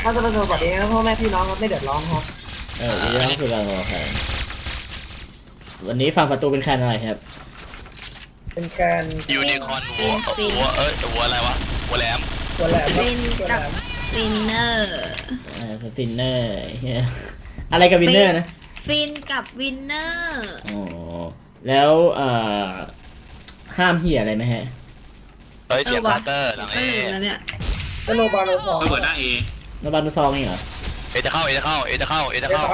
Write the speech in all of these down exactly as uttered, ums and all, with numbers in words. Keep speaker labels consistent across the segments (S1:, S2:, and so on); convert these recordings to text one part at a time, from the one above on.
S1: าจะเป็นตัวแบบนี้พ่อแม่พี่น้องครับไม่เดือดร้อนครับ
S2: เออเรื่องคือเราแข่งวันนี้ฝั่งประตูเป็นแคนอะไรครับ
S1: เป็นแกน
S3: ยูนิคอร์นหัวหัวเอ้ยหัวอะไรวะหัวแหลม
S1: ตัวแหลม
S4: ฟินกับฟินเนอร์
S2: อ่าฟินเนอร์อะไรกับวินเนอร์นะ
S4: ฟินกับวินเนอร์
S2: อ๋อแล้วเอ่อห้ามเหี้ยอะไรไหมฮะ
S3: เฮ้ยเสียบาร์เตอร์หลังเอ
S4: แล้วเนี่ย
S1: ก็โนบาโนฟอร์
S5: เปิดหน้าเอ
S2: โนบานุซองนี่เหรอ
S3: เอจะเข้าเอจะเข้าเอจะเข้าเอจะเข้า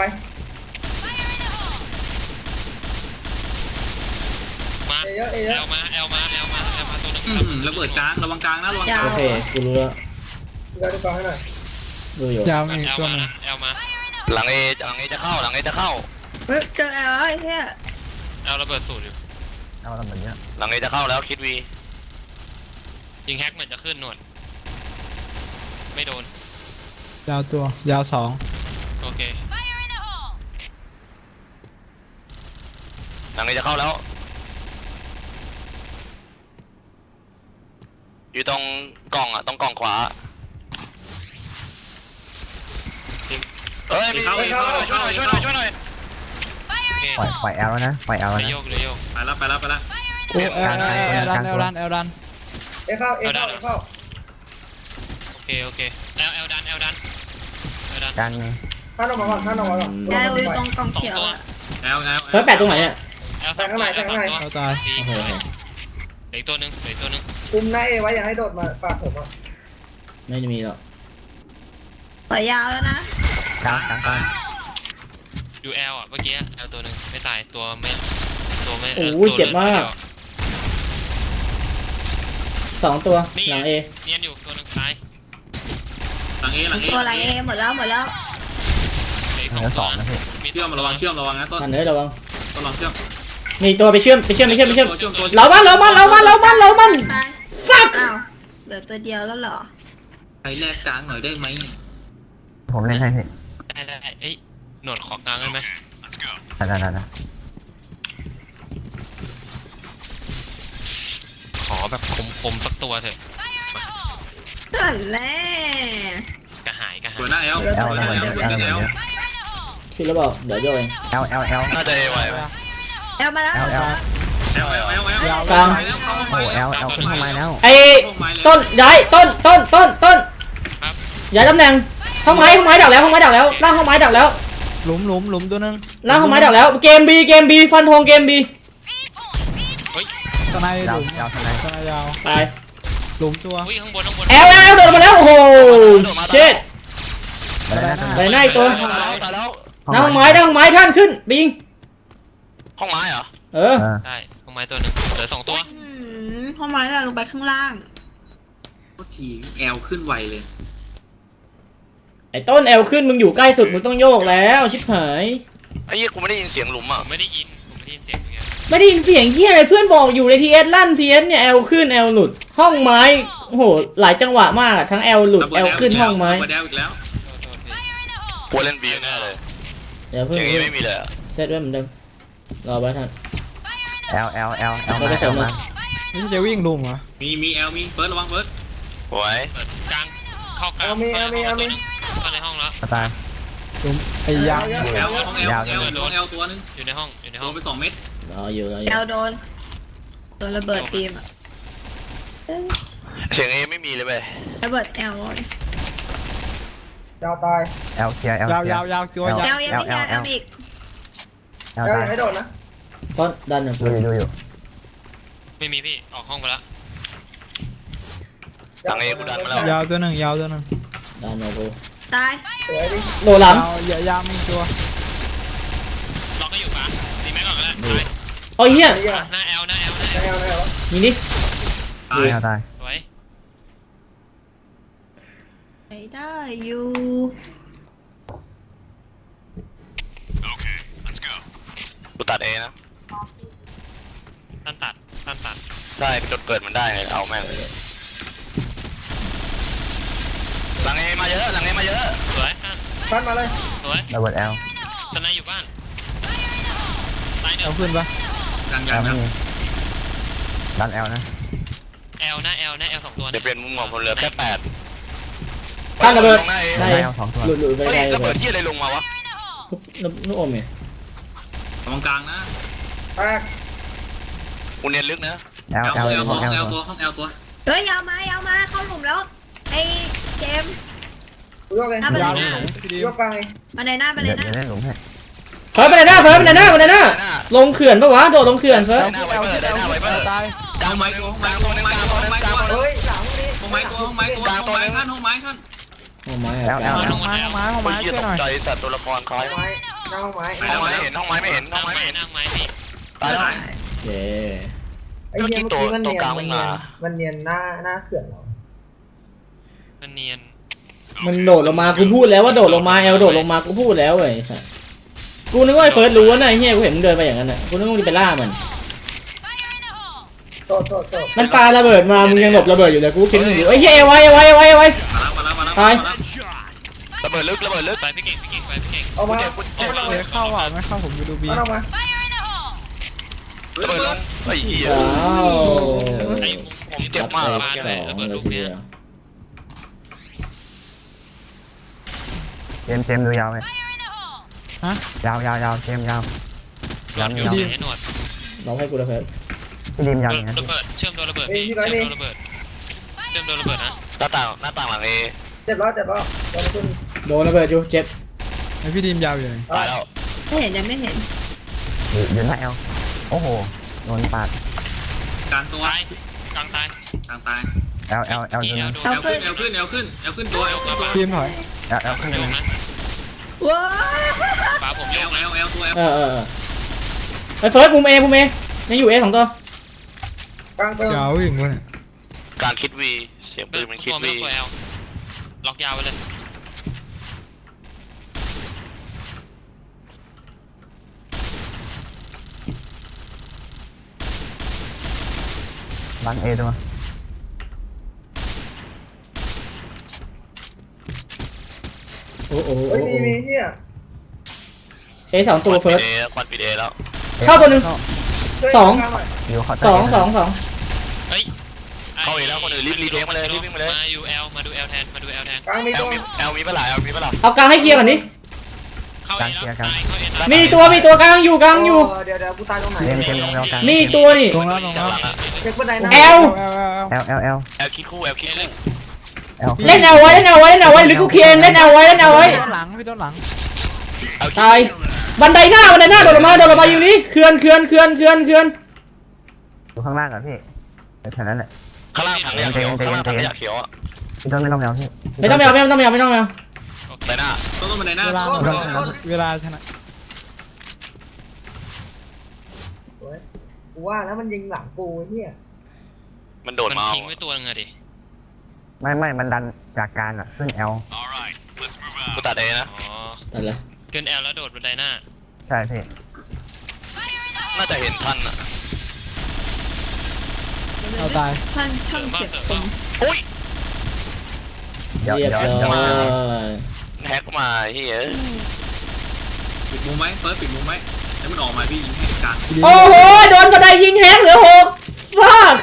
S6: มาเอลมาเอลมาเอลมาเอลมาตัวนึง
S5: ระเบิดกลางระวังกลางนะระวังกลาง
S2: โอเคกูรู้แล้ว
S1: เราดูกลางให้หน่อย
S2: ดูอยู่
S6: ยาวมีตัวนึงเอลมา
S3: หลังเอหลังเอจะเข้าหลังเอจะเข้า
S4: เฮ้ยเจอเอลไอ้เหี้ย
S6: เอลระเบิดสูตรอยู่
S1: เอาทำแบบนี้
S3: หลังเอจะเข้าแล้วคิดวี
S6: ยิงแฮกเหมือนจะขึ้นหนวดไม่โดน
S7: ยาวตัวยาวสอง
S6: โอเค
S3: หลังเอจะเข้าแล้วอยู่ตรงกล่องอ่ะตรงกล่องขวาเอ้ยมีช่วยหน่อยช่วยหน่อยช่วยหน่อยช่วยหน่อย
S1: ปล่อยปล่อยแอลแล้วนะปล่อยแอลแล้วนะ
S6: เลยโยกเลยโยก
S5: ไปแล้วไปแล้วไปแล้ว
S7: โอ้เอลเอลดันเอลดันเอลดัน
S1: เอเข้าเอเข้าเอเข้า
S6: โอเคโอเคเอลเอลดันเอลดันเอลดัน
S1: ดันข้างนอกมาก่อนข้างนอกมาก่อน
S4: แอลอยู่ตรงกองเขียว
S5: แอลแอล
S2: เฮ้ยแปะตรงไหนเนี่ย
S6: เอลข้างในข้างใน
S7: เขาตาย
S6: เหลืออีกตัวนึงเหลืออีกตัวนึง
S1: คุมหน้าเอไว้อย่าให้โดดมาปาดผมอ่ะ
S2: ไม่มีหรอก
S4: ต่อยาวแล้วนะ
S1: กลางกลางกลาง
S6: ดูแอลอ่ะเมื่อกี้แอลตัวนึงไม่ตายตัวไม่ตัวไม่
S2: โอ้ยเจ็บมากสองตัวหลังเอ
S6: เนียนอยู่ตัวนึงตาย
S5: หลังเอหลังเอ
S4: ตัวหลังเอหมดแล้วหมดแล้ว
S6: เหลือสองนะ
S5: พี่เชื่อมระวังเชื่อมระวังนะต้น
S2: ทันเลยระวัง
S5: ต้นลองเชื่อม
S2: มีตัวไปเชื่อมไปเชื่อมไปเชื่อมไปเชื่อมเรามันเรามันเรามันเรามันเรามันฟัก
S4: อ้าวเหลือตัวเดียวแล้วเหรอ
S5: ใครแลกกลางหน่อยได้ไหม
S1: ผมเล่นให้พี่
S6: ได้ได้เอ้ยหนวดขอกลางได้ไหม
S1: ได้ได้ได้
S6: ขอแบบคมๆสักตัวเถอะ
S4: นั่นแหละ
S6: กระหายกระหาย
S5: เปิดหน้าแอลเปิดหน้าแอลเปิดหน้าแอล
S2: คิดแล้วบอกเดี๋ยวโยน
S1: L L L
S3: น่าจะเอไว้
S4: แอลมาแล้ว
S1: L L
S5: L L L L
S2: กลาง
S1: โอ้ L L ขึ้นทำไมแล้ว
S2: ไอ้ต้นย้ายต้นต้นต้นต้นย้ายตำแหน่งห้องไม้ห้องไม้ดักแล้วห้องไม้ดักแล้วล่างห้องไม้ดักแล้ว
S7: หลุมหลุมหลุมตัวนึง
S2: ล่างห้องไม้ดักแล้วเกมบีเกมบีฟันธงเกมบี
S7: ตะไนหลุม
S1: ยาวทนาย
S7: ตะไนยาว
S2: ตาย
S7: หลุมตัว
S6: ข้างบนข้างบน
S2: แอลแอลโดดมาแล้วโอ้โหเช็ดไปไหนตัวหน้าห้องไม้หน้าห้องไม้ท่านขึ้นบิง
S3: ห้องไม้เหรอ
S2: เออ
S6: ใช่ห้องไม้ตัวหนึ่งเหลือสองตัว
S4: ห้องไม้เราลงไปข้างล่าง
S5: ก็ทีแอลขึ้นไวเลย
S2: ไอ้ต้นแอลขึ้นมึงอยู่ใกล้สุดมึงต้องโยกแล้วชิบหาย
S3: ไอ้ยี่กูไม่ได้ยินเสียงหลุมอ่ะ
S6: ไม่ได้ยินผมไม่ได้ยินเสียงเงี้ย
S2: ไม่ได้ยินเสียงเหี้ยอะไรเพื่อนบอกอยู่ในทีเอสลั่นทีเอสเนี่ยแอลขึ้นแอลหลุดห้องไม้โอ้โหหลายจังหวะมากทั้งแอลหลุดแอลขึ้นห้องไม้
S3: กูเล่นบีแน่เลย
S2: เดี๋ยวเพื่อน
S3: ไม่มีเลย
S2: เซตไว้เหมือนเดิมรอไว้ท่าน
S1: L L L L
S2: มาL มา
S7: นี่จะวิ่งลุมเหรอ
S5: มีมีแอลมีเฟิร์สระวังเฟิร์ส
S3: โอ้ย
S6: กลางเข้ากลาง
S1: มีมีมี
S6: เข้าในห้องแล้ว
S1: ตาย
S7: ลุมไอ้ยาว
S5: แอลของแอลแอลโดนแอลตัวนึง
S6: อยู่ในห้องอยู่ในห้อง
S5: โดนไปสองเม็ด
S2: รออยู่รออยู่
S4: แอลโดนโดนระเบิดทีมอะ
S3: เสียงเอไม่มีเลยเว้ย
S4: ระเบิดแอล
S1: ยาวตาย L เคลียร์ L
S7: ยาวยาวยาวจัวยาว
S4: แอลยังไม่แอลอีก
S1: L ตายให้โดนนะ
S2: ต้นดันหนึ่ง
S1: ดูดูอยู่
S6: ไม่มีพี่ออกห้องไปแล้ว
S3: หลังเอกูดันมาแล้ว
S7: ยาวตัวหนึ่งยาวตัวหนึ่ง
S2: ดันโนโบ
S4: ตาย
S2: โดหลัง
S7: ยาวยาวมีตัว
S6: ล็อกก็อยู่ปะตีแม็กก่อนก็ได้
S2: โอ้ยเฮีย
S6: หน้าแอลหน้าแอลหน้าแอล
S2: ยิงดิ
S5: ตาย
S1: ตาย
S6: สวย
S4: ไปได้อยู่
S3: กูตัดเอนะ
S6: ตันตัดตันตัด
S3: ได้จนเกิดมันได้ไงเอาแม่งเลยหลังเอมาเยอะหลังเอมาเยอะ
S6: สวย
S1: ฟันมาเลย
S6: สวย
S1: ระเบิดแอล
S6: ตอนนั้นอยู่บ้านตายเดี๋ยว
S7: ขึ้นปะ
S5: กลางยาวนะ
S1: ดันแอลนะ
S6: แอลหน้าแอลหน้าแอลสองตัว
S3: เดี๋ยวเปลี่ยนมุมของผมเหลือแค่แปด
S2: ตั้งระเบิด
S3: หน้าเอ
S2: ได้
S1: ได้เอาสองตัว
S2: หลุดหลุดไป
S3: เฮ้ย
S2: ได้เล
S3: ระเบิด
S2: ย
S3: ที่อะไรลงมาวะ
S2: ลูกลูกอมเนี่ย
S5: ตรงกลางนะ
S1: แตก
S3: กูเนียนลึกนะ
S1: แอล
S5: แอล
S1: แอล
S5: แอล
S1: ห้
S5: ตั
S1: อ
S5: ว
S1: งแอล
S5: แอล
S1: ตั
S5: ตัว วห้องแอลตัว
S4: เฮ้ยยาวมายาวมาเข้าหลุมแล้วไอ้เจมส์
S1: ยกเลย
S4: หน้าบันได
S7: ยาว
S4: ห
S7: เล
S4: น้าย
S7: พี่ดี
S1: ยกกลางเลย
S4: บันไดหน้าบันได
S1: เดี๋ยว
S4: หน้า
S1: เดี๋ยวได้หลุมให้
S2: เฟิร์สไปไหนหน้าเฟิร์สไปไหนหน้าไปไหนหน้าลงเขื่อนปะวะโดดลงเขื่อนเฟิร์ส
S3: ได้หน้าไวเบอร์ได้หน้าไวเบอร์
S7: ตาย
S3: กลางไม้ตัวกลางตัวนึงกลางตัวนึงกลางตัวนึง
S1: เฮ้ยหลังนี้
S5: ห้องไม้ตัวห้องไม้ตัวห้องไม้ขั้นห้องไม้ขั้น
S2: โอ้ไม้
S1: แอ
S2: อะ
S1: ลแอล
S7: ห้องไม้ห้องไม้ห้องไม้
S3: เฮีย
S7: ช่วย
S3: ต
S7: หน่
S3: ก
S7: อย
S3: ใจสัตว์ตัวละครคล้าย
S1: ไม้หน้าห้องไม้
S3: ห้องไม้ไม่เห็นห้องไม้ไม่เห็นห้
S6: นั่
S3: อง
S6: ง
S3: ไม้
S6: ไม้
S3: ไม่เห็น
S6: นั่งไม้พี่
S3: ตายแล้ว
S2: เย้
S1: ไอ้เหี้ยเมื่อกี้มันเนียนมันเนียนมันเนียนหน้าหน้าเขื่อนเรา
S6: มันเนียน
S2: มันโดดลงมากูพูดแล้วว่าโดดลงมาแอลโดดลงมากูพูดแล้วเว้ยสัสกูนึกว่าไอ้เฟิร์สรู้นะไอ้เฮียกูเห็นมึงเดินไปอย่างนั้นอ่ะกูนึกว่ามึงไปล่ามัน
S1: โตโตโต
S2: มันปาระเบิดมามึงยังหลบระเบิดอยู่เลยกูคิดมึงอยู่ไอ้เฮียเอาไว้เอาไว้เอาไว้เอาไว้
S5: มาแล้วมาแล้วมาแล้ว
S2: ตาย
S3: ระเบิดลึกระเบิดลึก
S6: ไปพี่เก่งพี่เก่งไปพี่เก่ง
S1: เอามา
S3: เจ็บกูเจ็บ
S7: เดี๋ยวเข้าอ่ะไม่เข้าผมจะดูบี
S1: เอามา
S3: ระเบิดลงไอ้เหี้ย
S2: อ้าว
S6: ไอ้
S3: ผมเจ็บมาก
S2: ส
S3: อะ
S2: อง
S6: เลยระเบิดลูกเนี้ย
S1: เจมเจมดูยาวไหมยาวยาวยาวเจมยาว
S6: หนวดอยู่ให้หนวด
S2: น้องให้กูระเบิด
S1: พี่ดิมยาวอย่างนั้น
S6: ระเบิดเชื่อมโดนระเบิดพี่เชื่อมโดนระเบิดเชื่อมโดนระเบิดนะ
S3: หน้าต่างหน้าต่างหลังเอ
S1: เจ็บแล้วเจ็บแล้วโดนขึ้น
S2: โดนระเบิดอยู่เจ็บ
S7: ไอพี่ดีมยาวอยู่ไหน
S3: ตายแล้ว
S4: ไม่เห็นยังไม่เห็น
S1: อยู่อยู่หน้าแอลโอ้โหโดนปาด
S5: กลางตัว
S6: ตายกลางตาย
S5: กลางตาย
S1: แอลแอลแอล
S6: อี
S1: โดน
S6: แอลโดน
S5: แอลขึ้นแอลขึ้นแอลขึ้นแอลขึ้นตัวแอลขึ้นตัว
S7: ดีมถอย
S1: แอลแอลขึ้น
S6: ไม่ลงนะ
S4: ว้า
S6: ฟ้าผม
S5: แอ
S6: โย
S5: ล
S6: ก
S5: แอ
S6: นะ
S5: ลแอลตัวแอล
S2: เออเออเออไอ้เฟิร์สมุมเอมุมเอยังอยู่เอสองตัว
S1: กลางเติม
S7: ยาวอย่างวะเนี่ย
S3: การคิดวีเสียงปืนมันคิด
S6: ตัวไม่
S3: วี
S6: ตัวแอลล็อกยาวไปเลย
S1: หลังเอตัว
S2: โอ้โห
S1: เฮ้ยมีมีเหี้ย
S2: เอสองตัวเฟิร์ส
S3: เอควันปิดเอแล้ว
S2: เข้าตัวหนึ่ง สอง
S1: อยู่ขอ
S2: สองสองสอง
S6: เฮ้ย
S3: เข้าเอแล้วคนอื่นรีบรีเทคมาเลยรีบวิ่งมาเลย
S6: มาอยู่แอลมาดูแอลแทนมาดูแอลแทน
S1: กลางมี
S3: แอ
S1: ตั
S3: ล
S1: ว
S3: มีแอลมีเปล่าแอลมีเปล่า
S2: เอากลางให้เคลียร์ก่อนดิ
S6: เข้าเอแล้วตายเข้าเอแล้ว
S2: มีตัวมีตัวกลางอยู่กลางอยู่
S1: เดี๋ยวเดี๋ยวกูตายตรงไหน
S2: มี
S1: เจมเจมลงแอลกลาง
S2: มีตัวนี่
S7: ลงแล้วลงแล้ว
S1: เช็คบันไดนะ
S2: แอล
S7: แอลแอลแอล
S1: แอลแอลแอล
S3: แอลคิดคู่แอลคิดคู่
S1: แอล
S2: เล่นเอาไว้เล่นเอาไว้เล่นเอาไว้หรือกูเคลียร์เล่นเอาไว้เล่นเอาไว้
S7: พี่ต้นหลังพี่ต้นหลัง
S3: แอลคิด
S2: ตายบันไดหน้าบันไดหน้าโดดลงมาโดดลงมาอยู่นี่เขื่อนเขื่อนเขื่อนเขื่อนเขื่อน
S1: อยู่ข้างล่างก่อนพี่แค่นั้นแหละ
S3: ข้างล่างถังขยะเขียวข้างล่างถังขยะเขียวอ่ะ
S1: พี่ต้นไม่ต้องแอลพี่
S2: ไม่ต้องไม่เอาไม่ต้องไม่เอาไม่ต้องไม่เอา
S3: ในหน้า
S5: ต้นต้นบันไดหน้า
S7: เวลาหม
S5: ต้
S7: ด
S5: น
S7: แล้วเวลาชนะ
S1: กูว่าแล้วมันยิงหลังกูเนี่ย
S3: มันโดด
S6: มัน
S3: มา
S6: ทิ้งไว้ตัวนึงอะดิ
S1: ไม่ไม่มันดันจากการอ่ะขึ้นแอล
S3: กูตัดเอนะ
S6: อ๋อ
S2: ตัดเลย
S6: เกินแอลแล้วโดดบันไดหน้า
S1: ใช่พี่
S3: น่าจะเห็นทันอ่ะ
S7: เอาตาย
S4: ท่านช่างเก็บตรง
S3: อุ้ย
S1: เดี๋ยว
S2: เรียบ
S1: เดี๋ยว
S2: ร้
S1: เดี๋ยว
S2: อย
S3: แฮกมาเฮ้ย
S5: ปิดมุมไหมเฟิร์สปิดมุมไหมแล้วมันออกมาพี่ยิงให้กลาง
S2: โอ้โหโดนกระไดยิงแฮกเหลือหกฟัก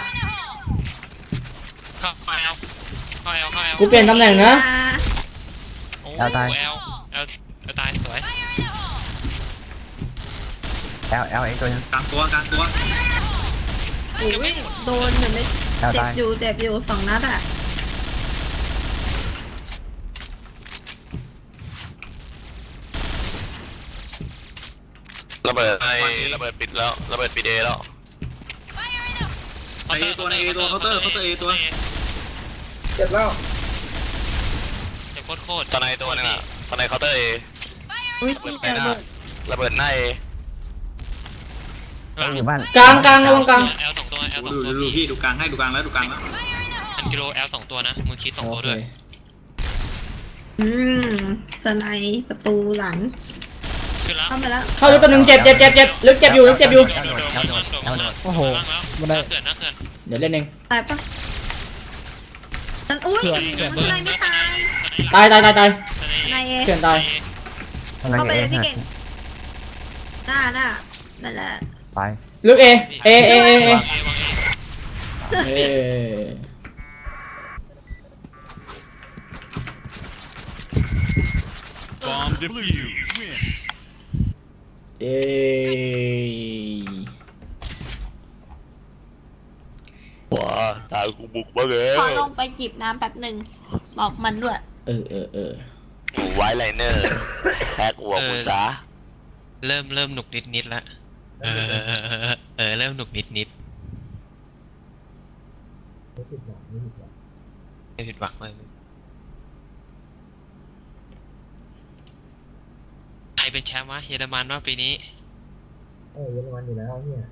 S6: เข้าแอลเข้าแอลเข้าแอล
S2: กูเปลี่ยนตำแหน่งนะ
S6: โอ้แอลแอลแอลตายสวย
S1: แอลแอลไอ้ตัวนึง
S5: กลางตัวกลางตัว
S4: โอ้ยโดนเหมือนไม่
S1: แอล
S4: เจ็บ
S1: ตาย
S4: อยู่เจ็บอยู่สองนัดอ่ะ
S3: ระเบิดไอ้ระเบิดปิดแล้วระเบิดปิดเอแล้ว
S5: เอตัวในเอตัวเคาน์เตอร์เคาน์เตอร์เอตัว
S1: เจ็บแล้ว
S6: จะโคตรโคตร
S3: ตอนในตัวนึงอ่ะตอนในเคาน์เตอร์เอ
S4: อุ้ยนี่จะเบิด
S3: ระเบิดหน้าเอ
S1: อยู่บ้าน
S2: กลางกลางระวังกลาง
S6: แอลสองตัวแอลสอง
S5: ดู
S6: ตัว
S5: ดูดูพี่ดูกลางให้ดูกลางแล้วดูกลางแล้ว
S6: พันกิโลแอลสองตัวนะมือคิดสองตัวด้วย
S4: อืมสไนป์ประตูหลัง
S6: ขึ้นแล้ว
S4: เข้ามาแล้ว
S2: เข้าลึกตัวหนึ่งเจ็บเจ็บเจ็บเจ็บลึกเจ็บอยู่ลึกเจ็บอยู่
S6: แอลโดดแอลโดดแอลโดด
S7: โอ้โห
S6: บันไดเขื่อนนะเขื่อน
S2: เดี๋ยวเล่นเอง
S4: ตายปะฉันอุ้ยสไนป์ไม่ตาย
S2: ตายตายตายตาย
S4: นายเอ
S2: เขื่อนตาย
S1: ทำไม
S4: เข้าไป
S1: เอ
S4: เลยพี่
S1: หัก
S4: เก่งหน้าหน้านั่นแหละ
S1: ไป
S2: ลึกเอเอเอเอเอ
S6: วางเอวางเอ
S2: เอ
S1: เ
S2: เอ้ย
S3: ว้าตากูบุกมาเลย
S4: ขอลงไปจิบน้ำแป๊บหนึ่งบอกมันด้วย
S2: เออเออเออ
S3: หนูไว้ไลเนอร์แฮกหัวกูซะ
S6: เริ่มเริ่มหนุกนิดนิดละเออเออเออเออเริ่มหนุกนิดนิด
S1: ไม่ผิดหวังไม่ผิดหวัง
S6: ไม่ผิดหวังเลยใครเป็นแชมป์วะเยอรมันว่าปีนี้
S1: เออเยอรมันอยู่แล้วเนี่ย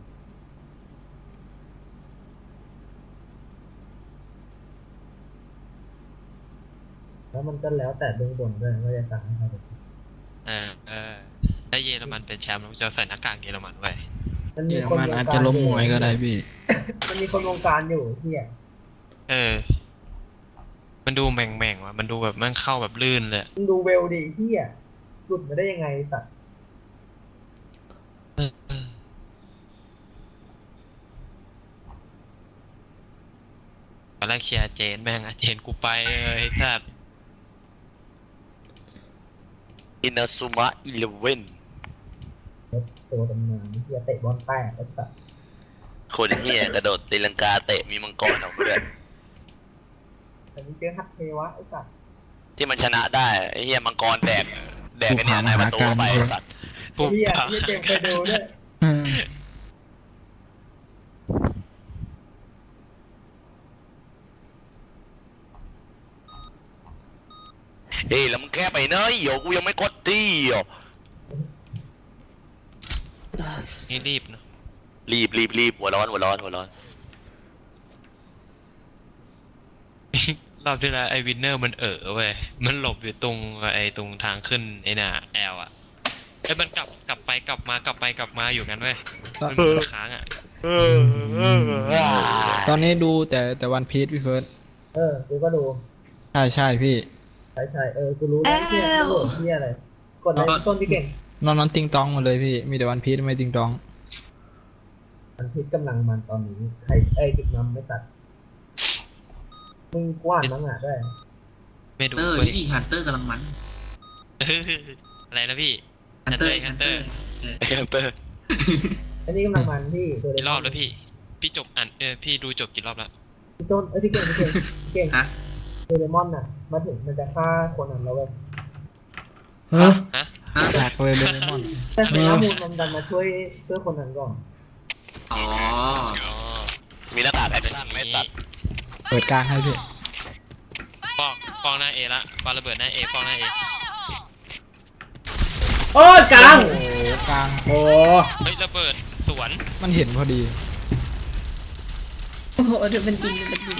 S1: แล้วมันก็แล้วแต่เบื้องบนด้วยว่าจะสั่งให้ใครเป็น
S6: เออเออถ้าเยอรมันเป็นแชมป์เราจะใส่หน้ากากเยอรมันไว้
S1: มัน
S7: เย
S1: มี
S7: อร
S1: คน
S7: มัน
S1: วง
S7: อาจ
S1: กา
S7: จะ
S1: ร
S7: ล้ม
S1: อ
S7: ม
S1: ยู่
S7: วยก็ได้พี่
S1: มันมีคนวงการอยู่เที่ย
S6: เออ มันดูแม่งแม่งๆว่ะมันดูแบบมันเข้าแบบลื่นเลย
S1: มึงดูเวลดิเที่ยหลุดมาได้ยังไงสัตว์
S6: เออเออตอนแรกเชียร์เจนแม่งอะเจนกูไปเลยครับ
S3: อินาซุมะอีเลเว่น
S1: ตัวตำนานเที่ยเตะบอลแตกไอ้สัตว์
S3: คนเฮียกระโดดตีลังกาเตะมีมังกรออกมาด้วย
S1: อันนี้เจอฮัตเทวะไอ้สัตว์
S3: ที่มันชนะได้ไอ้เฮียมังกรแดกแดกกันเนี่ยนายประตูเข้าไปไอ้สัตว์
S6: ปุ๊บ
S1: เที่ยเที่ยเจมเคยดูด้วย
S3: เฮ้ยแล้วมึงแค่ไปเนยเดี๋ยวกูยังไม่กดตีอ่ะ
S6: นี่รีบเนอะ
S3: รีบรีบรีบหัวร้อนหัวร้อนหัวร้อน
S6: รอบที่แล้วไอ้วินเนอร์มันเออเว้ยมันหลบอยู่ตรงไอ้ตรงทางขึ้นไอ้น่ะแอลอะไอ้มันกลับกลับไปกลับมากลับไปกลับมาอยู่งั้นเว้ยมันเหมือนค้างอะ
S7: ตอนนี้ดูแต่แต่วันพีซพี่เฟิร์ส
S1: เออกูก็ดู
S7: ใช่ใช่พี่
S1: ใช่ใช่เออกูรู้แล้วเที่ยกูโหลดเที่ยอะไรกดอะไรต้นพี่เก่ง
S7: นอนนอนติงตองหมดเลยพี่ มีแต่วันพีซไม่ติงตอง
S1: มันพิษกำลังมันตอนนี้ใครไอ้ติดน้ำไม่ตัดมึงกว้านมั้งอ่ะได้
S6: ไม่ดู
S5: เตอร์
S6: เว้ย
S5: นี่ฮันเตอร์กำลังมัน
S6: อะไรนะพี่
S5: ฮันเตอร์
S6: ฮั
S5: ฮั
S6: น
S5: น
S6: เต
S5: เต
S6: อ
S5: อ
S6: ร์
S5: ร์
S3: ไอ้ฮันเตอร์
S1: อันนี้กำลังมันพี่ตัวเล็
S6: กี่รอบแล้วพี่ พี่จบอ่านเออพี่ดูจบกี่รอบแล้ว
S1: พี่ต้นเอ้ยพี่เก่งพี่เก่งพี่เก่ง
S5: ฮะ
S1: โดเรมอนน่ะมาถึงมันจะฆ่าคนนั้นแล้วเว้ย
S2: ฮะ
S6: ฮะ
S5: ฮะ
S7: แตกเลยเดเรมอน
S1: แต่เป็นน้ำมูลมันดันมาช่วยช่วยคนนั้นก่อน
S5: อ๋อ
S6: อ๋อ
S3: มีหน้ากากแอคชั่นไม่ตัด
S7: เปิดกลางให้พี่
S6: ฟอกฟอกหน้าเอละปาระเบิดหน้าเอฟอกหน้าเอ
S2: โอ้ยกลาง
S7: โอ้กลาง
S2: โอ้
S6: เฮ้ยระเบิดสวน
S7: มันเห็นพอดี
S4: โอ้โหเดี๋ยวเป็นกินเดี๋ยวเป็นกิน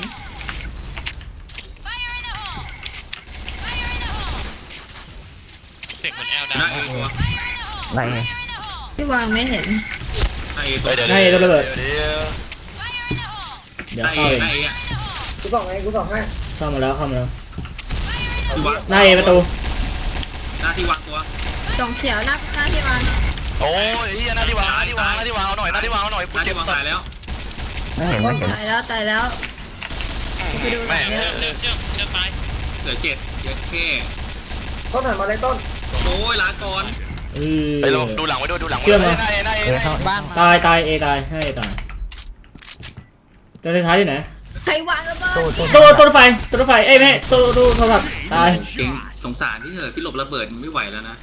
S6: เสียงเหมือนแอลดัง
S5: ได้อีกตัว
S4: ที่วางไม่เห็น
S5: ได้อีกตั
S3: เฮ้
S5: วย
S3: เดี๋ยว
S2: ให้ตัวระเบิด
S3: เดี๋ยว
S2: เดี๋ยว
S5: ได้
S2: เข้า
S5: อี
S2: เอก ง
S5: ได้อีกอ่ะ
S1: กูส่องให้กูส่องให้
S2: เข้ามาแล้วเข้ามาแล้ว
S5: ที่วาง
S2: หน้าเอประตู
S5: หน้าที่วางตัว
S4: จองเขียวหน้าหน้าที่วาง
S3: โอ้ยไอ้เฮียหน้าที่วางหน้าที่วางหน้าที่วางเอาหน่อยหน้าที่วางเอาหน่อย
S5: ห
S3: กู
S5: น้า
S3: เจ็
S5: ที่
S3: บ
S5: วาง
S3: สัต
S5: ตาย
S3: ว์
S5: แล้ว
S4: ตายแล้วตายแล้วไปดูหน่
S3: แม่
S4: อย
S3: ง
S4: เนี่ย
S6: เจอเจอเจอตาย
S5: เหลือเจ็ดเยอะแค่
S1: ต้นหันมาเลยต้น
S5: โอ้ยลาก่อน
S2: เออ
S3: ไปลองดูหลังไว้ด้วยดูหลังไว้
S2: เชื่อม
S3: ด้
S2: เหร
S3: ว
S2: อ
S3: ยหน้าเอหน้าเอหน้าเอ
S7: บ้าน
S2: ตายตายเอตายให้ตายตัวท้ายที่ไหน
S4: ใครวางระเบิด
S2: ตัวตัวรถไฟตัวรถไฟเอ้ยไม่ใช่ตัวตัวโทรศัพท์ตาย
S5: เก่งสงสารพี่เถอะพี่หลบระเบิดมันไม่ไหวแล้วนะ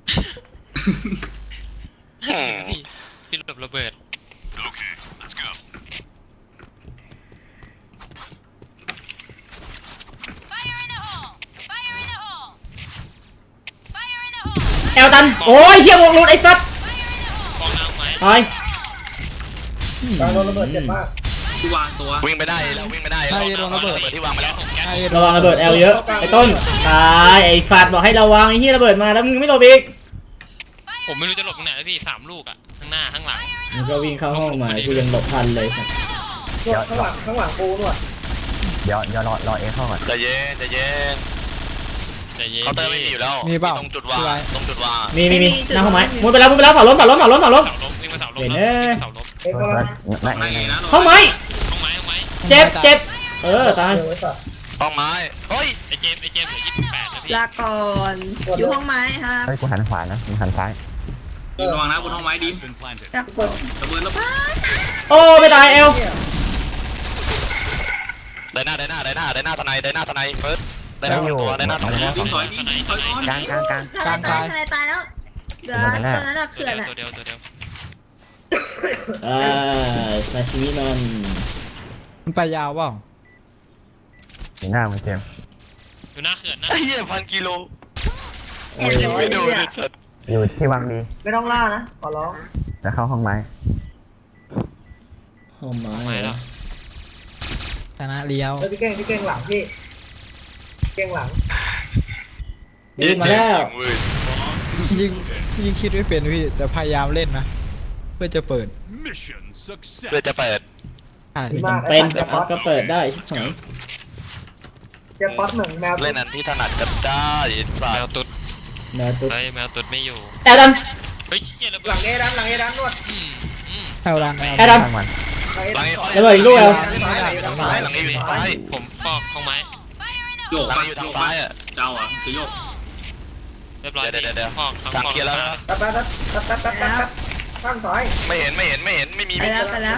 S3: อืม
S6: พี่พี่ระเบิดระเบิด
S2: แอลตันโอ้ยเฮียวงรูดไอ้สัส
S6: ฟองน้ำไหม
S2: ตาย
S1: ตาโดนระเบิดเจ็บมาก
S5: ที่วางตัว
S3: วิ่งไปได้แล้ววิ่งไปได้
S7: ใช่โดนระเบิด
S3: ที่วางไปแล้ว
S7: ใช่
S2: ระวังระเบิดแอลเยอะไอ้ต้นตายไอ้ฟาดบอกให้ระวังไอ้เฮียระเบิดมาแล้วมึงไม่หลบอีก
S6: ผมไม่รู้จะหลบตรงไหนแล้วพี่สามลูกอ่ะข้างหน้าข้างหลัง
S2: มึงก็วิ่งเข้าห้องมากูยังหลบทันเลยสัส
S1: นวดข้างหลังข้างหลังกูนวด
S8: เดี๋ยวเดี๋ยวรอรอเอเข้าก่อน
S3: ใจะเย็นใจะเย็น
S6: ใจเย็น
S3: เคาน์เตอร์ไม่มีอยู่แล้ว
S7: มีเปล่า
S3: ตรงจุดวางตรงจุดวาง
S2: มีมีมีหน้าห้องไม้มุดไปแล้วมุดไปแล้วเสาล้มเสาล้มเสาล้มเสาล้ม
S6: เสาล้มวิ่งมาเสาล้ม
S2: เห็น
S6: แล้ว
S2: เอ้ย
S6: วิ่งมาเสาล้ม
S1: เอ้ยเขาละ
S8: ไม่
S5: ไม่
S8: ไม่
S5: นะ
S2: ห้องไม้
S6: ห้องไม้ห้องไม้
S2: เจ็บเจ็บเออตาย
S1: เดี๋ยวไว้สัตว์
S3: ห้องไม้เฮ้ย
S6: ไอเจมส์ไอเจมส์เหลือยี่สิบแปดนะพี่
S4: ลาก่อนอยู่ห้องไม้ครับ
S8: เฮ้ยกูหันขวานะมึงหันซ้าย
S5: ดีมระวังนะบนห้องไม้ดีม
S4: ลาก่อน
S5: ระเบิดแล้ว
S2: โอ้ไม่ตายเอล
S3: ได้หน้าได้หน้าได้หน้าได้หน้าทนายได้หน้าทนายเฟิร์สได้หน้าตัวได้หน้าทนาย
S5: ดีมถอยดีมถอยก่อน
S8: กลางกลางกลาง
S4: ทนายตายทนายตายแล้วเดี๋ยวตอนนั้นอะ
S6: ตัว
S4: เขื่อน
S6: เดียว
S4: อะ
S6: ตัวเดียวตัวเดียว
S2: อ่าซาชิมิมัน
S7: มันไปยาวเปล่า
S8: อยู่หน้ามึงเจมส์
S6: อยู่หน้าเขื่อนนะ
S3: ไอ้เหี้ยพันกิโล
S1: เออ
S3: ยิงไม่โดนเลยสัตว์
S8: อยู่ที่วางดี
S1: ไม่ต้องล่านะขอร้อง
S8: แล้วเข้าห้องไม้
S2: ห้องไม้
S6: ไม่แล้ว
S7: ชนะเลี้ยว
S1: เฮ้ยพี่เก่งพี่เก่งหลังพี่เก่งหลัง
S2: ยิงมาแล้ว
S3: เว้ย
S7: ยิงยิงคิดไม่เป็นพี่แต่พยายามเล่นนะเพื่อจะเปิด
S3: เพื่อจะเปิด
S7: ใช่
S1: ดีมาก
S2: เป็นก็เปิดได้ชิบหาย
S1: เจะป๊อตเหมือนแมว
S3: เล่นอันที่ถนัดกันได้ไอ้สั
S6: แม
S3: ต
S6: ว
S3: ว์
S6: ตุ๊ด
S2: แมวตุ๊ด
S6: เฮ้ยแมวตุ๊ดไม่อยู่
S2: แอลดัน
S6: เฮ้ยเหี้ยระ
S1: ห
S6: เบิ
S1: ลั
S6: ด
S1: งเอดันหลังเอดันนวด
S6: อืมอืม
S7: แอลดัน
S2: แอลดัน
S8: ข้างมัน
S1: หลังเอ
S3: หลัง
S1: ดัน
S3: นี้
S2: ระเบิดอีกลูกแล้ว
S3: ทางซ้ายหลังนี้อยู่ทางซ้าย
S6: ผมฟอกห้องไม้
S5: โยก
S3: หลัง
S5: ไป
S3: นี้อยู่
S5: โย
S3: ทาง
S5: กไป
S3: ซ้ายอ่ะ
S5: เจ้าอ่ะจะโยก
S6: เรียบร้อย
S3: เดี๋ยวเดี๋ยวเดี๋ยว
S6: ฟอกทั้ง
S3: ทาง
S6: ฟอก
S3: เคลียร์แล้วนะ
S1: ตัดตัดตัดตัดตัดตัดตัดตัดข้างซ้าย
S3: ไม่เห็นไม่เห็นไม่เห็นไม่มี
S4: ไป
S3: ไม่มี
S4: แล้วไปแล้ว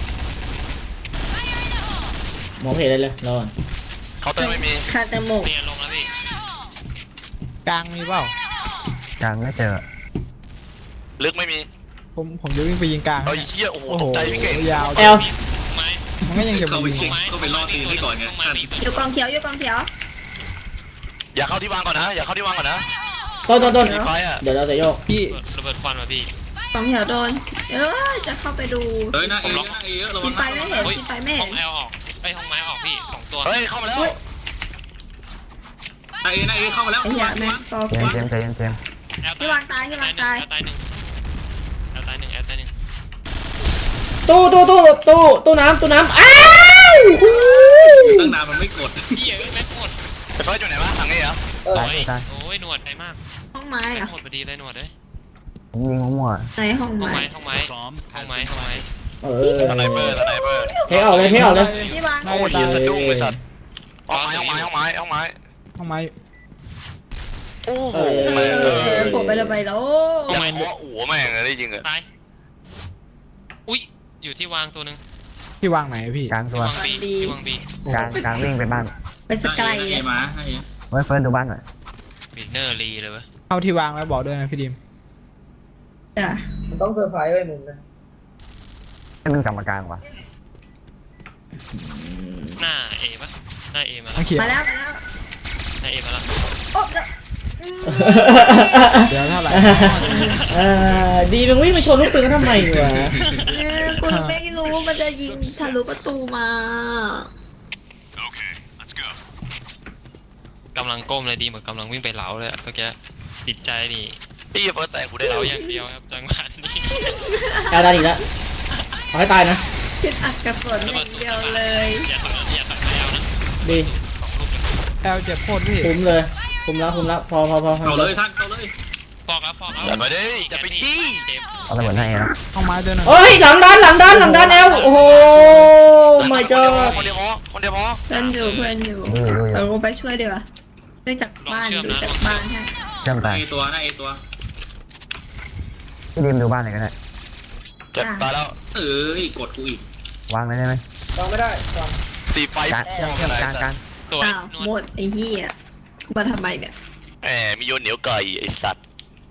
S2: มองไม่เห็นอะไรเลยรอก่อน
S3: เขาน์เตอร์ไม่มี
S4: คาเตโมก
S6: เนี่ยลงแล้วพี่
S7: กลางมีเปล่าก
S8: ลางไม่เจอ
S3: ลึกไม่มี
S7: ผมผมจะวิ่งไปยิงกลาง
S3: เฮ้ย
S7: เนี่ย
S3: เชี่ยโอ้โห
S7: โอ้
S3: ต
S7: โห
S3: กใจพี่เก่ง
S7: ยาว
S2: แอล
S6: ไม้
S7: มันก็ยังจะ
S5: เข้าไป
S7: มี
S5: เช็คเข้าไปล่อตีนให้ก่อนไง
S6: ห้องไม้มี
S4: อยู่กองเขียวอยู่กองเขียว
S3: อย่าเข้าที่วางก่อนนะอย่าเข้าที่วางก่อนนะ
S2: ต้นต้นต้น
S3: มีไฟอ่ะ
S2: เดี๋ยวเราจะโยก
S7: พี่
S6: ระเบิดควันมาพี่
S4: กองเขียวโดนเออจะเข้าไปดู
S5: เฮ้ยหน้าเอเยอะหน้าเอเยอะระวั
S4: กิ
S5: ง
S4: นไปไม่เห็น
S6: เฮ้ย
S4: กินไปไม่
S6: ห้
S4: เห็
S6: อน งแอลออกไอยห้องไม้ออกพี่สองตัว
S3: เฮ้ยเข้ามาแล้ว
S5: หน้าเอหน้าเอเข้ามาแล้ว
S4: ไอ้เหี้ยแม่งฟอ
S8: เจมส์เจมส์ใจเย็นเจมส์
S6: แอล
S4: ที่วางตายที่วางตาย
S6: แอลตายหนึ่งแอลตายหนึ่งแอลตายหนึ่ง
S2: ตู้ตู้ตู้ตู้ตู้น้ำตู้น้ำอ้าว
S5: ตั้งนานมันไม่กด
S6: เหี้ยเอ้ยแม็กหมด
S3: ไอ้เฟิร์สอยู่ไหนวะทางนี้เหรอ
S1: เออ
S8: ตาย
S6: โอ้ย
S8: ตาย
S6: โอ้ยหนวดไกลมาก
S4: ห้องไม้
S6: แม็
S4: อะ
S6: กหมดพอดีเลยหนวดเลย
S8: ผมยิงมั่ว
S4: ในห้อง
S6: ห้อง
S4: ไม้
S6: ไม้ห้องไม้ห้องไม้ห้องไม้
S2: เออ
S3: สไนเปอร์สไนเปอร์
S2: เทออกเลยเทออกเลย
S4: ที่วาง
S7: น่า
S3: โอ้
S7: จะ
S3: ย
S7: ตาย
S3: สะดุ้งไอ้สัตว์ห้องไม้ห้องไม้ห้องไม้ห้องไม้
S7: ห้องไม้
S3: โอ้โห
S2: เออ
S3: แม่ง
S4: เอ
S3: เอ
S4: อ
S3: อ
S4: ผมไปเลยไปแล้ว
S3: อย่าขอหัวแม่งเลยได้จริงเหรอ
S6: ตายอุ้ยอยู่ที่วางตัวหนึ่ง
S7: ที่วางไหนพี่
S8: ๆกลางตั
S6: ที่
S8: ว
S6: วางบีที่วางบี
S8: กลางกลางวิ่งไปบ้าน
S4: ไปสกาย
S5: หน้า
S4: เล
S5: เอย มาหน้าเอ
S8: เฮ้ยเฟิร์สดูบ้านหน่อย
S6: บีเนอร์รีเลยเว้ย
S7: เข้าที่วางแล้วบอกด้วยนะพี่ดิม
S4: จ้ะ
S1: มันต้องเซอร์ไพรส์ไว้มึงนะ
S8: ให้มึงกลับมากลางวะ
S6: หน้าเอปะหน้าเอมา
S7: ต้
S6: แล้
S7: อ
S6: ว
S7: งเขียน
S4: มาแล้วมาแล้ว
S6: หน้าเอมาแล้ว
S4: โอ้เดี๋ยวอืม
S7: เดี๋ยวเท่าไหร่
S2: เออดีมึงวิ่งไปชนลูกปืนเขาทำไมวะ
S4: เนี่ยกูไม่รู้มันจะยิงทะลุประตูมา
S6: กำลังก้มเลยดีเหมือนกำลังวิ่งไปเหลาเลยอะเมื่อกี้จิตใจนี่
S3: พี่เฟิร์สแต่งกูได้
S6: เห
S3: แล้
S6: ลาว อย่างเดียวครับจังหวะนี้
S2: แอลดันอีกแล้วเอาให้ตายนะ
S4: คิดอัดกระสุนอย่างเดียวเลย
S6: อย่าต่อยอย่าต่อยแล้วนะ
S2: ดี
S6: สองลูกเลย
S7: แอลเจ็บโคตรพี่
S2: คุมเลยคุมแล้วคุมแล้วพอพอพอพอ
S5: เข้าเลยท่านเข้าเลย
S6: ฟอกแล้วฟอกแล้ว
S3: อย่ามาดิจะไปจี้
S6: เจ็บ
S8: เอาระเบิดหน้าเอแล้ว
S7: ห้องไม้เดินหน่อย
S2: เฮ้ยหลังดันหลังดันหลังดันแอลโอ้โห my
S3: คนเดียวพอ
S2: god
S3: คนเดียวพอคนเดียวพอ
S4: เพื่อนอยู่เพื่อนอยู่
S8: ดูอยู่ดูอยู่
S4: เราก็ไปช่วยดีกว่าช่วยจากบ้านดูจากบ้านให้
S8: เชื่อม
S5: หน้า
S8: ตาย
S5: เอตัวหน้าเอตัว
S8: พี่ดิมดูบ้านหน่อยก็ได้
S3: เจ็บตายแล้ว
S5: เอ้ยกดกูอีก
S8: วางเลยได้ไหม
S1: วางไม่ได้วาง
S3: สีไฟ
S8: กลางเชื่อมเชื่อมกลางกลาง
S6: ตัว
S4: อ้าว
S6: หน
S4: หม
S6: วด
S4: ดไอ้เหี้ยมาทำไมเนี่ย
S3: แหมมีโยนเหนียวไก่ไอสัตว์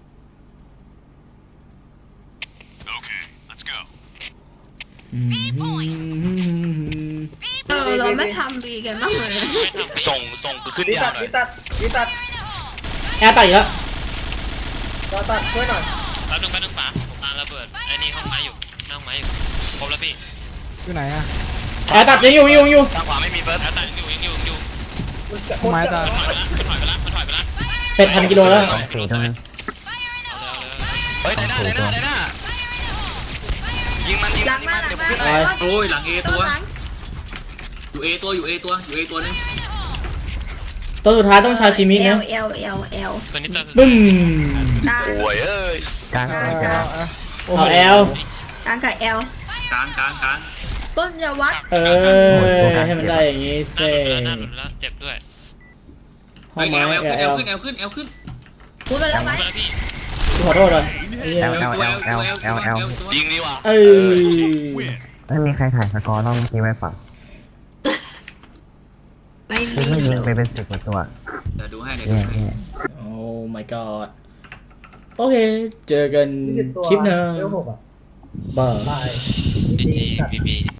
S2: อืม
S4: เออเราไม่ทำดีกันบ้างเลย
S6: ไม่ทำ
S3: ส่งส่งกูขึ้น
S1: ดี
S3: ยา
S1: ตั
S3: ว
S1: ด
S3: หน่อ
S1: ดี
S3: ย
S1: ตัดดีตัด
S2: แอลตายอีกแล้ว
S1: รอตัดช่วยหน่อย
S6: แป๊บนึงแป๊บนึงป๋าผมกำลังระเบิดไอ้นี่ห้องไม้อยู่หน้าห้องไม้อยู่ครบแล้วพี่
S7: อยู่ไหนอะ
S2: แอลตัดยังอยู่ยังอยู่
S3: ทางขวาไม่มีเฟิร์ส
S6: แล้วแต่ยังอยู่ยังอยู่ยังอยู่
S1: มึงจะ
S7: ห้องไม้ตาย
S6: มันถอยไปละมันถอยไปละมันถอยไปละ
S2: เป็ดพันกิโลแล้ว
S8: สองสี่ตรงนั้น
S6: เอาเลยเอาเลยเอาเลย
S3: เฮ้ยได้หน้าได้หน้าได้หน้ายิงมันยิง
S4: หลั
S3: มัน
S4: ง
S3: ยิง
S4: มา
S3: มัน
S4: หลัง
S3: เดี๋ยว
S4: มา
S3: ขึ้น
S4: ต้น
S5: โอ้ยหลังเอ
S4: ต้
S5: ตั
S4: น
S5: ว
S4: หลัง
S5: อยู่เอตัวอยู่เอตัวอยู่เอตัวนึง
S2: ตัวสุดท้ายต้องชาชิมิ
S4: เอ
S2: นะ
S4: ลเอลเอลเอล
S6: ตัวนี้ตัว
S2: บึ้ม
S4: กลาง
S3: โอ้ยเอ้ย
S8: กลาง
S7: เอา
S8: ไม่เจ็บ
S7: เอาเอาโอ้โห
S2: เอาแอล
S4: กลางกับเอล
S5: กลางกลางกลาง
S4: ต้นอยาวัด
S2: เออให้มันได้อย่างงี้
S6: หน้า
S2: เซ่
S6: หลุดแล้วหน้าหลุดแล้วเจ็บด้วย
S2: ห้องไม้
S5: แอล
S2: แอ
S5: แอ
S2: ล
S5: ลขึ้นแอลขึ้นแอลขึ้น
S4: พูดไปแล้วไหม
S6: มาแล้วพี่
S2: ขอโทษเลยไอ้เหี้ย
S8: แอลแอลแอลแอลแอลแอล
S3: ยิงดีว่ะ
S2: เอ้ย
S8: ไม่มีใครถ่ายสกอร์รอบเมื่อกี้ไว้เปล่า
S4: ไม่
S8: พี่
S4: มี
S8: ก็ยิงไปเป็นสิบกว่าตัว
S5: เดี๋ยวดูให้เดี๋ยว
S8: เนี่
S5: ดู
S8: ย
S5: ให้
S8: เนี่ย
S2: โอ้ my god โอเค เจอกัน
S1: ยี่สิบตัว
S2: คลิปหน้า
S1: เร็วหกอ่ะ
S2: บาย
S1: ตาย
S6: พี
S1: จริ
S6: จี
S1: งๆสัตว์
S6: พีบี